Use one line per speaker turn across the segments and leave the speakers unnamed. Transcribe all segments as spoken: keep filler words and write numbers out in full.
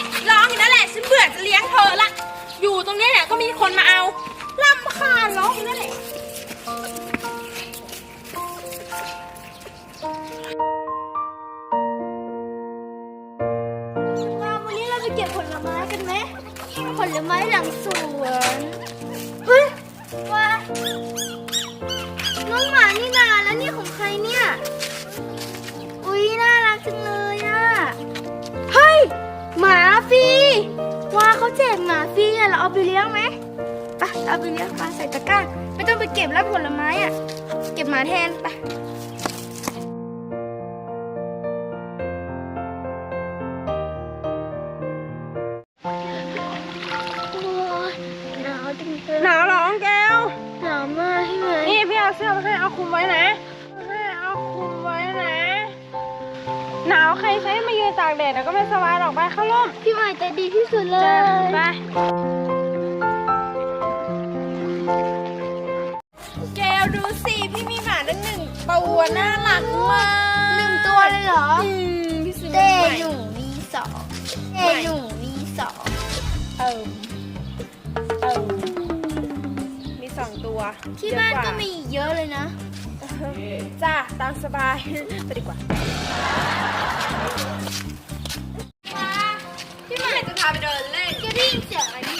ร้องอยู่นั่นแหละฉันเบื่อจะเลี้ยงเธอละอยู่ตรงนี้เนี่ยก็มีคนมาเอารำคาญร้องอยู่นั่นแหละ
วันนี้เราไปเก็บผลไม้กันไหมผลไม้หลังสวนเฮ้ยว่าน้องหมานี่นาแล้วนี่ของใครเนี่ยอุ๊ยน่ารักจังเลยอ่ะเฮ้ยหมาฟรีว่าเขาแจกหมาฟรีอ่ะเราเอาไปเลี้ยงไหมไปเอาไปเลี้ยงมาใส่ตะกร้าไม่ต้องไปเก็บแล้วผลไม้อ่ะเก็บหมาแทนไปหนาวจังเลย
หนาวร้องแก้ว
หนาวมากใช่ไหม
นี่พี่เอาเสื้อมาให้เอาคุมไว้นะให้เอาคุมไว้นะหนาวใครใช้มายืนตากแดดแล้วก็ไม่สบายหรอกไปเข้าร่ม
พี่ใหม่ใจดีที่สุดเลย
ไปแก้วดูสิพี่มีหมาตั้งหนึ่งตัวน่ารักมาก
หนึ่งตัวเลยเหรอ
อืมพี่ซื้อ
เต้
มาใหม่
หนูมีสองเต้หนูมีสอง
เออเออมีสองตัว
ที่บ้าน
เยอะ
ก็
ว่
มีอีกเยอะเลยนะ
จ้าตามสบายไปดีกว่าพี่ใหม่จะพาไปเดินเล่น
จะได้ยินเสียงอะไรนี่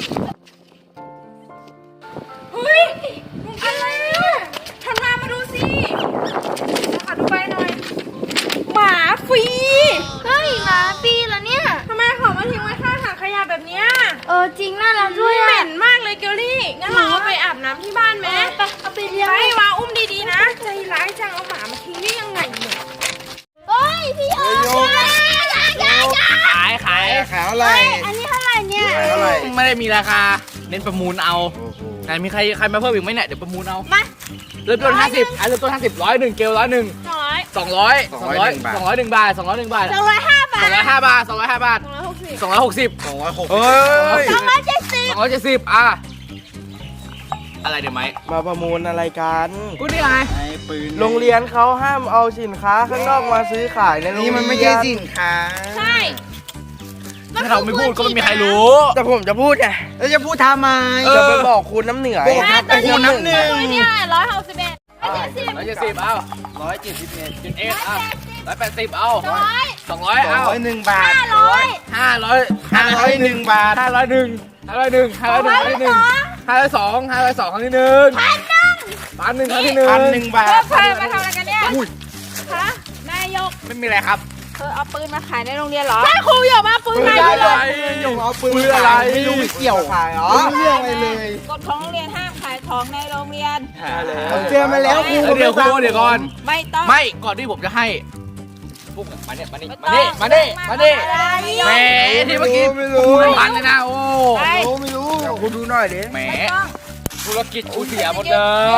เฮ้ยอะไรอ่ะทันมามาดูสิขอดูใบหน่อยหมาฟรี
เฮ้ยหมาปีเหรอเนี่ย
ทำไมเขามาทิ้งไว้ข้างถังขยะแบบเนี้ย
เออจริงน่ารักด้วย
เห
อะ
ม็นมากเลยเกลลี่งั้นเราเอาไปอาบน้ำที่บ้านไหม
ไปเอาไปเลี้ยง
ไปวาอุ้มดีๆนะใจร้ายจังเอาหมามาทิ้งได้ยังไงเนี่ย
เฮ้ยพี่โอ๊คอย่าอย่าอย่า
ขายขาย
ขายอะไร
เฮ้ยอันนี้เท่าไหร่เนี่ย
ขายเท่าไหร่
ไม่ได้มีราคา เน้นประมูลเอา
โอ้โห
ไหนมีใครใครมาเพิ่มอีกไหมเนี่ยเดี๋ยวประมูลเอา
มา
เริ่มต้นห้าสิบอ่ะเริ่มต้นห้าสิบร้อยหนึ่งเกลร้อยหนึ่ง
สองร้อย
สองร้อยสองร้อยสองร้อยหนึ่งบาทสองร้อยหนึ่งบาท
สองร้อยห้าบา
ส
ท
องร้อยห้าบาทสองร้อยห้าบาท
สองร้อยหกสิบ
สองร้อยหกสิบ
สองร้อยหกเฮ้ย
สองร้อยเจ็ดสิบ
สองร้อยเจ็ดสิบอ่ะอะไรเดี๋ยวไหม
มาประมูลอะไรกัน
กูนี่ไง
โรงเรียนเขาห้ามเอาสินค้าข้างนอกมาซื้อขายในโรงเรียน
นี่มันไม่ใช่สินค้า
ใช่
ถ้าเราไม่พูดก็ไม่มีใครรู้
แต่ผมจะพูดไง
แล้วจะพูดทำไม
เออ
จะไปบอกคุณน้ำเหนือ
บอกครับ
ไอ้คุณน้ำเหนือ
ตัวเนี่ยร้อยหกสิบเอ็ดร้อยเจ็ดสิบ
ร้อยเจ็ดสิบเอา
ร้อยเจ็ดสิบเอ็ด
จุดเอ็ดเอาร้อยแปดสิบเอา
ร้อย
สองร้อย
สอง
เอา
ร้อยหนึ่งบาท
ห้าร้อย
ห้าร้อย
ห้าร้อยหนึ่งบาท
ห้าร้อยหนึ่งห้าร้อยหนึ่งห้าร้อยหนึ่งครั้งที่หนึ่งห้าร้อยสองห้าร้อยสองครั้งที่หนึ่งพันหนึ่งพันหนึ่งครั้งที่หนึ่ง
พันหนึ่งบา
เธอ
ท
เคยมาทำอะไรกันเนี่ย
อุ้ย
ฮะนายก
ไม่มีอะไรครับ
เธอเอาปืนมาขายในโรงเรียนเหรอใช่ครูอย่ามาปืน
ปืน
มา
อะไร
หยงเอาปืน
ปืนอะไร
ไม่รู้ไม่เกี่ยว
ขายเหรอ
ไม่รู้เรื่องอะไรเลย
กฎของโรงเรียนห้ามขายของในโรงเรียน
ผมเจอมาแล้วครู
เดี๋ยวครูเดี๋ยวก่อน
ไม่ต้อง
ไม่ก่อนที่ผมจะให้พวกมาเนี่ยมานี่มานี่มานี่มานี่แหมที่เมื่อกี้
ไม่รู้
ไม่พันเลยนะโอ้
ไป
ไม่รู้ไม่รู้เดี๋ยวคุณดูหน่อยดิ
แหม
ไม่ต้อง
ธุรกิจกูเสียหมดเลย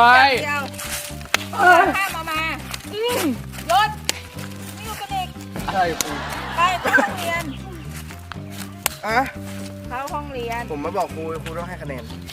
เดี๋ยวห้ามเอามาอืมรถไม่อยู่กันอีก
ใช่ครู
ไปเข้าห้องเรียน
อ่ะ
เข้าห้องเรียน
ผมมาบอกครูครูต้องให้คะแนน